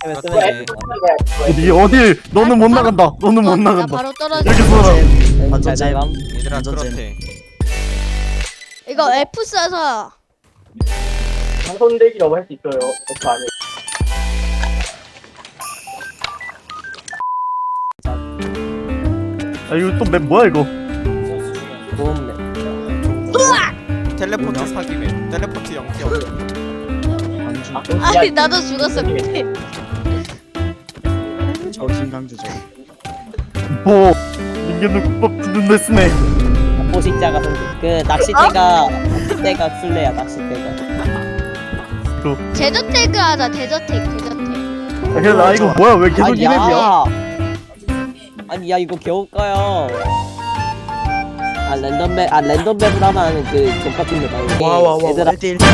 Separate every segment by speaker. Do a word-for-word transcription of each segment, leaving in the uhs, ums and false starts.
Speaker 1: 그렇지.
Speaker 2: 어디 어딜 너는 못 나간다. 너는 못
Speaker 3: 나
Speaker 2: 나간다.
Speaker 3: 바로 떨어져.
Speaker 2: 여기 서라.
Speaker 1: 완전 잼.
Speaker 4: 감.
Speaker 1: 얘들아
Speaker 4: 완전
Speaker 1: 그렇대.
Speaker 3: 이거 F 써서
Speaker 5: 방손대기라고 할 수 있어요. F 안에.
Speaker 2: 아 이거 또 맵 뭐야 이거?
Speaker 4: 보험
Speaker 1: 텔레포트 사기맨. 텔레포트 영티어.
Speaker 4: 안주.
Speaker 3: 아니 나도 죽었어 그때.
Speaker 4: 저 김강주죠.
Speaker 2: 뭐 인간도 국밥 듣는 쓰네.
Speaker 4: 포식자가 성- 그 낚싯대가 낚싯대가 술래야 낚싯대가.
Speaker 3: 제저태그 하자. 제저태그 제저태그.
Speaker 2: 아, 그래 나 이거 뭐야 왜 계속 이 맵이야?
Speaker 4: 아니 야 이거 겨울까요? 아 랜덤 맵, 아 랜덤 맵을 하면 그 족같은 맵 아니야?
Speaker 5: 와와와.
Speaker 4: 얘들아.
Speaker 5: 일 대 일.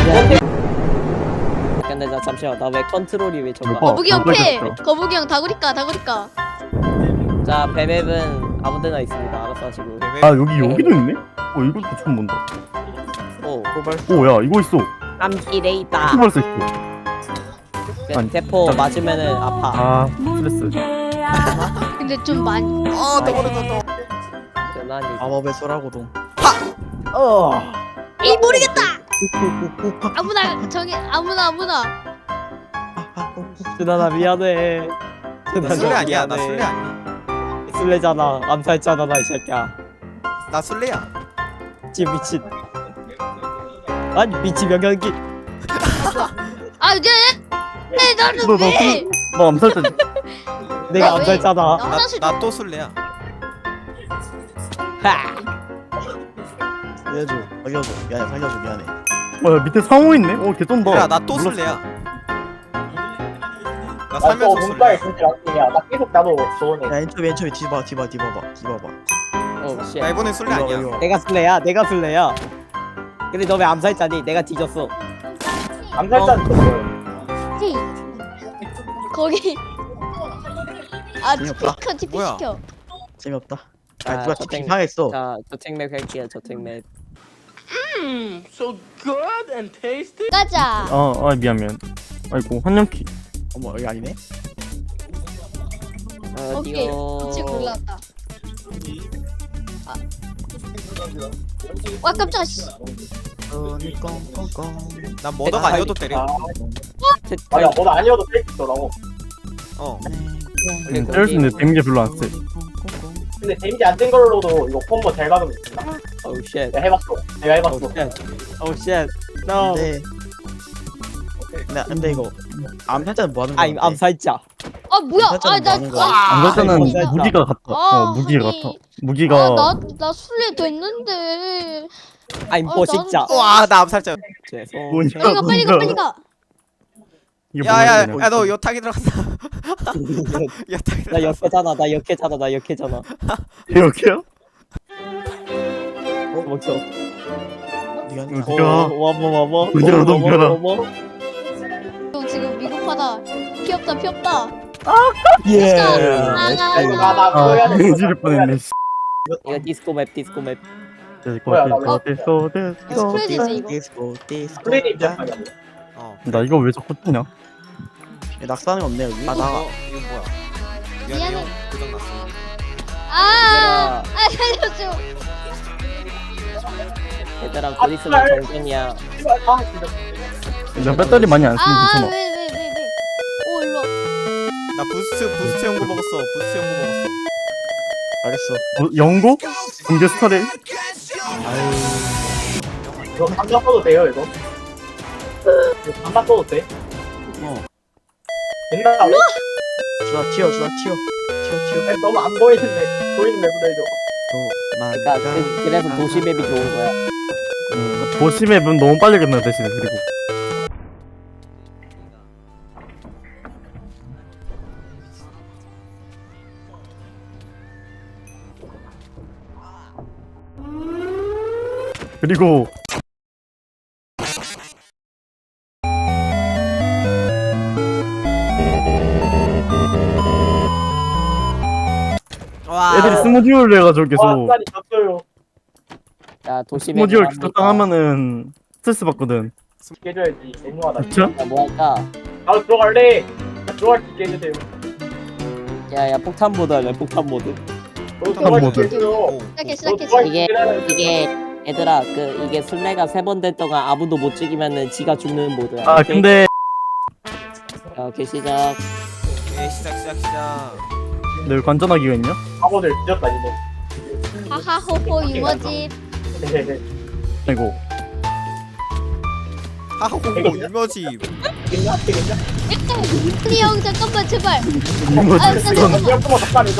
Speaker 4: 근데 나 잠시만 나 왜 컨트롤이 왜 저거?
Speaker 2: 오빠.
Speaker 3: 거북이 형
Speaker 2: 어,
Speaker 3: 패.
Speaker 2: 모르겠어.
Speaker 3: 거북이 형 다구리까 다구리까.
Speaker 4: 자 배맵은 아무데나 있습니다. 알아서 하시고.
Speaker 2: 아 여기 여기도 있네? 어 이것도 처음 본다.
Speaker 4: 오
Speaker 2: 오야 이거 있어.
Speaker 4: 암기레 있다.
Speaker 2: 또 벌써 있어. 아니,
Speaker 4: 대포 맞으면은 아파.
Speaker 2: 아 스트레스.
Speaker 3: 근데 좀 많이.
Speaker 1: 어, 또 모르겠다.
Speaker 4: 전환이.
Speaker 5: 마법의 소라고동.
Speaker 4: 어.
Speaker 3: 이 모르겠다. 아무나 정해 아무나 아무나.
Speaker 4: 준하나 미안해.
Speaker 1: 나 술래 아니야. 나 술래 아니야.
Speaker 4: 술래잖아. 암살자잖아 이 새끼야.
Speaker 1: 나 술래야.
Speaker 4: 지금 미친. 아니 미친 명령기.
Speaker 3: 아 이제 네 나는
Speaker 2: 너, 너,
Speaker 3: 왜?
Speaker 2: 너 암살자.
Speaker 4: 내가
Speaker 3: 나 왜-
Speaker 4: 암살자다.
Speaker 3: 나 화장실.
Speaker 1: 나 또 술래야.
Speaker 4: 하.
Speaker 5: 살려줘. 살려줘. 미안해. 살려줘. 미안해.
Speaker 2: 뭐야 밑에 상호 있네? 어 개쩐다.
Speaker 1: 얘들아 나 또 술래야. 나 살면서 술래야.
Speaker 5: 진짜 락이야. 나 계속 나도 저번에. 야 엔초비 엔초비 뒤봐 뒤봐 뒤봐봐 뒤봐봐.
Speaker 4: 오 씨.
Speaker 1: 나 이번엔 술래 아니야.
Speaker 4: 내가 술래야. 내가 술래야. 근데 너 왜 암살자니? 내가 뒤졌어.
Speaker 5: 암살자는 또 뭐야?
Speaker 3: 헤이. 거기. 아
Speaker 5: 재미없다.
Speaker 3: 티피 시켜 티피
Speaker 1: 뭐야?
Speaker 3: 시켜.
Speaker 5: 재미없다.
Speaker 4: 아,
Speaker 5: 아 누가
Speaker 4: 저
Speaker 5: 티피
Speaker 4: 땡-
Speaker 5: 상했어.
Speaker 4: 자 저택맵 할게요. 저택맵.
Speaker 3: 가자.
Speaker 2: 아, 아 미안 미안. 아이고 한영키.
Speaker 5: 어머 여기 아니네.
Speaker 3: 오케이.
Speaker 4: 어디요?
Speaker 3: 우측 올라왔다. 아. 와 깜짝아 씨.
Speaker 1: 난 머더가 아니어도 때려.
Speaker 5: 아야 뭐도 아니어도 뺄수 있더라고.
Speaker 1: 어.
Speaker 2: 응, 때릴 수 있는데 데미지 별로 안 세.
Speaker 5: 근데 데미지 안 된 걸로도 이거 콤보 잘 박으면 있다.
Speaker 4: 오우 쉣.
Speaker 5: 내가 해봤어. 내가 해봤어.
Speaker 4: 오우 쉣. 오우 쉣. No.
Speaker 5: 근데 근데, 근데 이거 암살자는 뭐 하는 거야?
Speaker 4: I'm 암살자.
Speaker 3: 아 뭐야?
Speaker 5: 암살자는 뭐 하는 거야?
Speaker 3: 아나
Speaker 2: 암살자는
Speaker 4: 암살자.
Speaker 2: 무기가 같아.
Speaker 3: 아,
Speaker 2: 어 무기가
Speaker 3: 아니.
Speaker 2: 같아. 무기가
Speaker 3: 나나 술래 됐는데.
Speaker 4: I'm
Speaker 3: 아,
Speaker 4: 포식자.
Speaker 3: 나는-
Speaker 1: 와, 나 암살자.
Speaker 4: 죄송.
Speaker 2: 뭐냐
Speaker 3: 빨리 가 빨리 가 빨리 가.
Speaker 2: 이게
Speaker 1: 야야,
Speaker 2: 뭐냐,
Speaker 1: 야 너 여탕이 들어갔다. 여탕이
Speaker 4: 나
Speaker 1: 들어갔어.
Speaker 4: 역해잖아. 나 역해잖아. 나 역해잖아.
Speaker 2: 이렇게요?
Speaker 4: 어 멈춰.
Speaker 5: 네가 하는
Speaker 2: 어,
Speaker 5: 거야.
Speaker 2: 네가-
Speaker 4: 어, 와뭐 와뭐.
Speaker 2: 어디로 넘겨라.
Speaker 3: 형 지금 미국 하다. 피 없다 피 없다.
Speaker 4: 예.
Speaker 3: 아,
Speaker 5: 야, 이거 나, 나 그거 해야
Speaker 2: 아
Speaker 5: 돼.
Speaker 2: 지를 뻔했네. 씨.
Speaker 4: 이거 디스코 맵 디스코 맵.
Speaker 5: 뭐야, 나
Speaker 2: 됐어 됐어 됐어.
Speaker 3: 스프레드네 이거.
Speaker 5: 디스코 디스코. 플레이 입장.
Speaker 1: 어.
Speaker 2: 나 이거 왜 자꾸 뜨냐?
Speaker 5: 낙사는 없네 여기.
Speaker 1: 아, 나 이거 뭐야? 미안해.
Speaker 3: 미안해.
Speaker 1: 형. 고장 났어.
Speaker 3: 아, 아 살려줘.
Speaker 4: 얘들아 곧 있으면 정전이야.
Speaker 5: 아 진짜.
Speaker 2: 나 배터리 많이 안 쓰면
Speaker 3: 아,
Speaker 2: 괜찮아.
Speaker 3: 왜, 왜, 왜, 왜. 오, 일로 와.
Speaker 1: 나 부스트 부스트 연구 먹었어. 부스트 연구 먹었어.
Speaker 5: 알겠어.
Speaker 2: 어, 영고? 공개 스타레?
Speaker 5: 이거 감자 써도 돼요 이거? 이거 감자 써도 돼?
Speaker 4: 어.
Speaker 5: 된다고? 주아 튀어 주아 튀어 튀어 튀어. 아니, 너무 안 보이는데 보이는 맵으로 해줘.
Speaker 4: 그러니까 그, 그래서 도시 맵이 좋은 거야.
Speaker 2: 음, 도시 맵은 너무 빨리 끝나 대신에 그리고. 그리고
Speaker 1: 와.
Speaker 2: 애들이 스모듀얼을 해가지고 계속
Speaker 5: 와 쌀이 졌어요.
Speaker 4: 야 도시 맵.
Speaker 2: 스모듀얼 적당하면은 스트레스 받거든.
Speaker 5: 해줘야지. 애무하다.
Speaker 2: 그쵸?
Speaker 4: 야, 뭐 할까?
Speaker 5: 나도 들어갈래. 들어갈 수 있게 해주세요.
Speaker 4: 야야 폭탄 모드 할래 폭탄 모드.
Speaker 5: 너 들어갈 수
Speaker 2: 모드.
Speaker 5: 있게 해줘.
Speaker 3: 시작해
Speaker 5: 너
Speaker 3: 시작해
Speaker 5: 들어갈 수
Speaker 3: 시작해.
Speaker 4: 이게
Speaker 5: 있게 해라.
Speaker 4: 이게 얘들아 그 이게 술래가 세 번 된 동안 아무도 못 죽이면은 지가 죽는 모드야.
Speaker 2: 아
Speaker 4: 오케이?
Speaker 2: 근데
Speaker 4: 자, 오케이 시작.
Speaker 1: 예 시작 시작 시작.
Speaker 2: 늘 관전하기가 있냐?
Speaker 5: 바보들 뒤졌다 이거.
Speaker 3: 하하호호 유머집.
Speaker 2: 아이고
Speaker 1: 하하호 유머집.
Speaker 5: 되겠냐? 되겠냐?
Speaker 3: 아니 형 잠깐만 제발.
Speaker 2: 이거
Speaker 3: 아,
Speaker 2: 진짜
Speaker 3: 잠깐만.
Speaker 5: 이거 한번 더 빠내줘.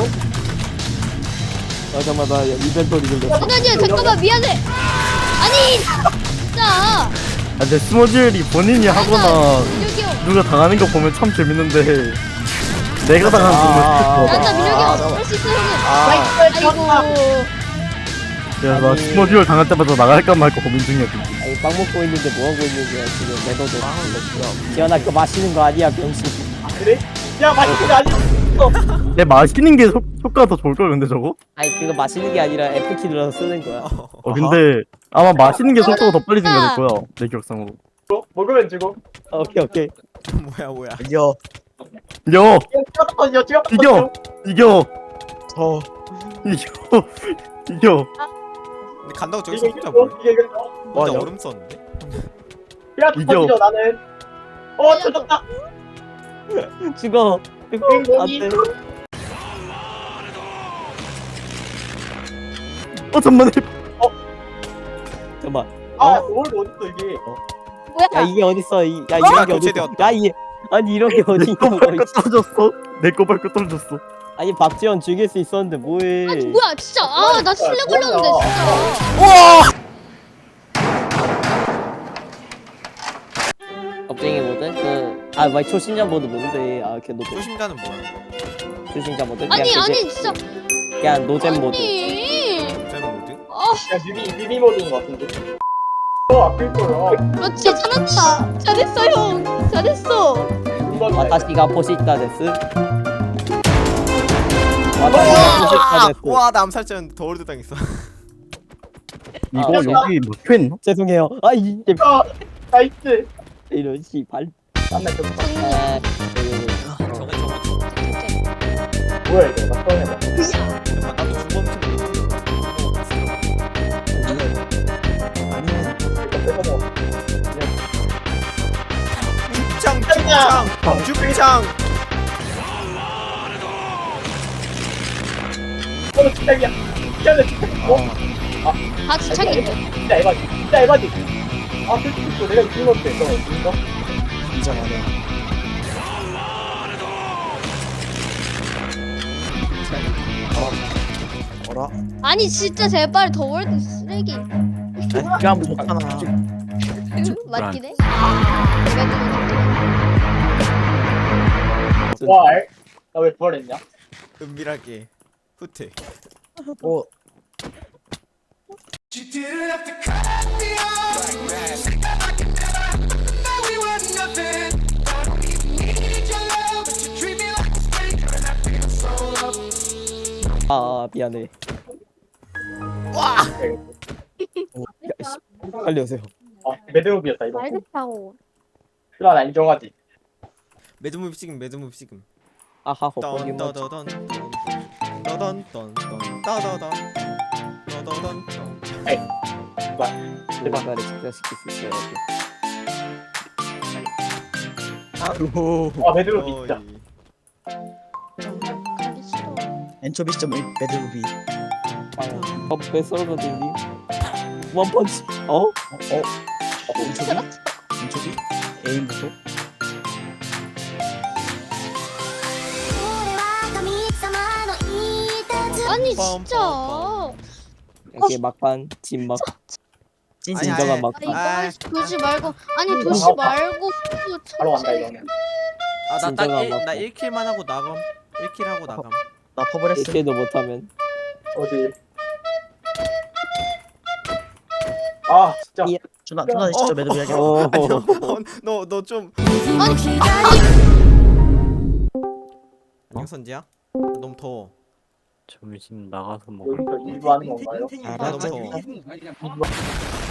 Speaker 4: 어 잠깐만 나 이벤토리 들렸어.
Speaker 3: 아니 잠깐만 미안해. 아니 진짜.
Speaker 2: 아 근데 스모질이 본인이 하거나
Speaker 3: 민혁이 형.
Speaker 2: 누가 당하는 거 보면 참 재밌는데 내가 당하는 거
Speaker 4: 아,
Speaker 2: 보면
Speaker 3: 난다 민혁이
Speaker 4: 아,
Speaker 3: 형. 할수 있어 형은.
Speaker 4: 아,
Speaker 3: 아이고.
Speaker 2: 그래서 나
Speaker 4: 아니.
Speaker 2: 스모질 당할 때마다 나갈까 말까 고민 중이야 지금.
Speaker 4: 아니 빵 먹고 있는데 뭐 하고 있는 거야 지금 매너도. 지연아 그거 마시는 거 아니야 병신.
Speaker 5: 아, 그래? 야 맛있는 거 아니야?
Speaker 2: 내 마시는 게 효, 효과가 더 좋을걸 근데 저거?
Speaker 4: 아니 그거 마시는 게 아니라 F키 눌러서 쓰는 거야.
Speaker 2: 어 근데 아마 마시는 게 속도가 더 빨리 증가될 거야 내 기억상으로.
Speaker 5: 뭐, 먹으면 주고.
Speaker 4: 아, 오케이 오케이.
Speaker 1: 뭐야 뭐야.
Speaker 2: 이겨
Speaker 5: 이거
Speaker 2: 이겨
Speaker 5: 찍었다 터져 찍었다
Speaker 2: 이겨 이겨
Speaker 5: 어.
Speaker 2: 이겨 이겨
Speaker 1: 근데 간다고 저기
Speaker 5: 이게
Speaker 1: 진짜
Speaker 5: 이거
Speaker 1: 뭐야?
Speaker 5: 이게 이거.
Speaker 1: 혼자
Speaker 2: 맞아.
Speaker 1: 얼음 썼는데?
Speaker 5: 피라트
Speaker 2: 이겨.
Speaker 5: 터지죠 나는. 어 터졌다.
Speaker 4: 죽어.
Speaker 5: 행복이.
Speaker 4: 안돼.
Speaker 2: 어 잠만해.
Speaker 4: 잠깐만.
Speaker 5: 아 오늘 어딨어 이게.
Speaker 3: 뭐야?
Speaker 4: 야 이게 어딨어? 이, 야
Speaker 1: 아,
Speaker 4: 이런 게 어딨어?
Speaker 1: 교체되었다.
Speaker 4: 야 이, 아니 이런 게 어디 있는
Speaker 2: 내거
Speaker 4: 거야?
Speaker 2: 밟고 떨어졌어. 내거 밟고 떨어졌어.
Speaker 4: 아니 박지원 죽일 수 있었는데 뭐해?
Speaker 3: 아니 뭐야 진짜. 아 나 실내 걸렸는데
Speaker 5: 뭐야.
Speaker 3: 진짜.
Speaker 4: 겁쟁이 모드? 그, 아, 막 초신자 모드 뭔데? 아, 걔 노잼.
Speaker 1: 초심자는 뭐야?
Speaker 4: 초신자 모드? 그냥
Speaker 3: 아니
Speaker 4: 그게-
Speaker 3: 아니 진짜.
Speaker 4: 그냥 노잼 모드.
Speaker 3: 아니.
Speaker 1: 잼 모드?
Speaker 5: 야 뮤비 뮤비 모드인 것 같은데. 어 아플 거야.
Speaker 3: 그렇지 잘했다. 잘했어 형. 잘했어.
Speaker 4: 와타시가 포시타 데스. 와타시가 포시타 데스.
Speaker 1: 와 나 암살자였는데 더 월드 당했어.
Speaker 2: 이거
Speaker 4: 아,
Speaker 2: 여기 막혀있나?
Speaker 4: 죄송해요. 아, 이, 이-
Speaker 5: 아 나이스.
Speaker 4: 이런 씨발.
Speaker 5: 땀나 좀.
Speaker 3: 승리.
Speaker 4: 아,
Speaker 1: 저거 저거 저거.
Speaker 5: 뭐야 이거 나 처음 해봐.
Speaker 1: 잠깐 나도 중범 좀 죽창 죽창 죽창.
Speaker 5: 어 진짜야. 진짜네 진짜. 어?
Speaker 3: 다 주창이.
Speaker 5: 진짜 에바지. 진짜 에바지. 아 솔직히 내가 이긴 건데 너 이거?
Speaker 3: 아니 진짜 제발 더 월드 쓰레기.
Speaker 6: 그냥 좋잖아.
Speaker 3: 맞긴 해.
Speaker 5: 와, 나왜 부활했냐?
Speaker 1: 은밀하게 후퇴.
Speaker 6: 어,
Speaker 4: 아, 아, 미안해.
Speaker 1: 와.
Speaker 4: 야, 씨. 빨리 오세요.
Speaker 5: 아, 매드무비였다 이거.
Speaker 3: 말겠다고.
Speaker 5: 필요 안 인정하지.
Speaker 1: 매드무비 찍음 매드무비 찍음.
Speaker 4: 아하, 헛거기 뭐.
Speaker 1: 던더더던 떠던던 따다단 떠더던.
Speaker 4: 누군가를 직사시킬 수 있어야 돼.
Speaker 6: 아이고.
Speaker 5: 아, 매드무비 진짜.
Speaker 3: 가기 싫어.
Speaker 6: 엔초비 시점 일 매드무비.
Speaker 4: 아, 어, 왜 썰어들니? 원펀치. 어?
Speaker 6: 어? 어? 엔초비? 엔초비? 에임 보소?
Speaker 3: 아니 진짜.
Speaker 4: 이렇게 막판 진막
Speaker 6: 찐찐.
Speaker 1: 아니,
Speaker 4: 진정한
Speaker 1: 아니,
Speaker 4: 막판.
Speaker 1: 아.
Speaker 3: 아니 이거 도시 말고 아니 도시 말고
Speaker 5: 바로 간다
Speaker 3: 천천히.
Speaker 5: 이거는.
Speaker 1: 아나딱
Speaker 4: 진짜가
Speaker 1: 나 일 킬만 하고 나감. 일 킬 하고 나감.
Speaker 6: 나 퍼블했어.
Speaker 4: 이렇게도 못하면
Speaker 5: 어디? 아, 진짜.
Speaker 4: 이-
Speaker 6: 준아 준아 진짜 매드무비 하게.
Speaker 4: 어.
Speaker 1: 너너 좀. 안녕 선지야? 너무 더워.
Speaker 2: 점심 나가서 먹을.
Speaker 5: 여기서 일부 하는 건가요?
Speaker 1: 나 너무
Speaker 6: 알았어.
Speaker 1: 더워.